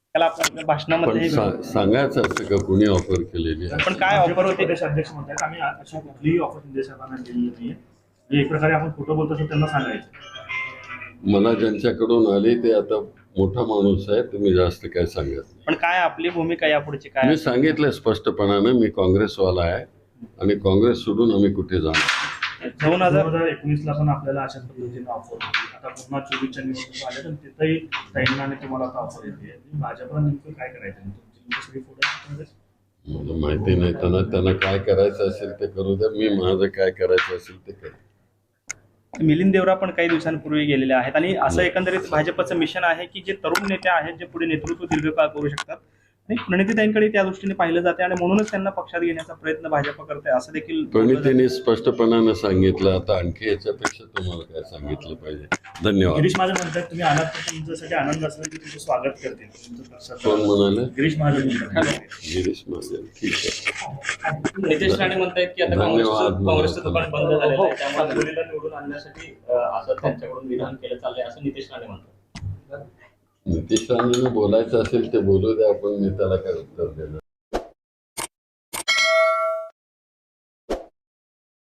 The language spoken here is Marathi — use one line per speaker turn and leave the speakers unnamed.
त्याला आपल्या भाषणामध्ये
पण सांगायचं असतं का कुणी ऑफर केलेली आहे?
पण काय ऑफर होते?
प्रदेश अध्यक्ष म्हणतात आम्ही अशी कुठलीही ऑफर निर्देशकांना दिलेली नाहीये. म्हणजे एक प्रकारे आपण खोटं बोलतो असं त्यांना सांगायचं.
मला ज्यांच्याकडून आली ते आता मोठा माणूस आहे, तुम्ही जास्त काय सांगत नाही.
पण काय आपली भूमिका यापुढची काय?
मी सांगितलं स्पष्टपणानं, मी काँग्रेसवाला आहे आणि काँग्रेस सोडून आम्ही कुठे जाणार.
2019ला पण आपल्याला अशाच पद्धतीने ऑफर होती. आता पुन्हा 24च्या निवडणूक आल्या तर तिथंही ताईंना आणि तुम्हाला आता ऑफर येते. भाजपला नेमकं काय करायचं? तुमची सगळी फोटो
मला माहिती नाही. त्यांना काय करायचं असेल ते करू द्या, मी माझं काय करायचं असेल ते करेन.
मिलिंद देवरा पण काही दिवसांपूर्वी गेलेले आहेत आणि असं एकंदरीत भाजपचं मिशन आहे की जे तरुण नेते आहेत जे पुढे नेतृत्व दीर्घकाळ करू शकतात आणि प्रणितीताईंकडे त्या दृष्टीने पाहिलं जाते आणि म्हणूनच त्यांना पक्षात घेण्याचा प्रयत्न भाजप करते असं देखील
प्रणितीने स्पष्टपणे सांगितलं. आता आणखी याच्यापेक्षा तुम्हाला काय सांगितलं पाहिजे? धन्यवाद.
गिरीश महाजन म्हणतात तुम्ही आलात तर तुमच्यासाठी आनंद असेल की तुमचं स्वागत करतील.
कोण म्हणाले?
गिरीश महाजन म्हणतात.
गिरीश महाजन. ठीक आहे.
नितेश राणे म्हणतायत की आता
धन्यवाद.
काँग्रेसचं दुकान बंद झालेलं आहे त्यामुळे मुलीला निवडून आणण्यासाठी असं त्यांच्याकडून विधान केलं चाललंय असं नितेश राणे म्हणतात.
नितीश राणेंना बोलायचं असेल ते बोलू द्या, आपण मी त्याला काय उत्तर देणार.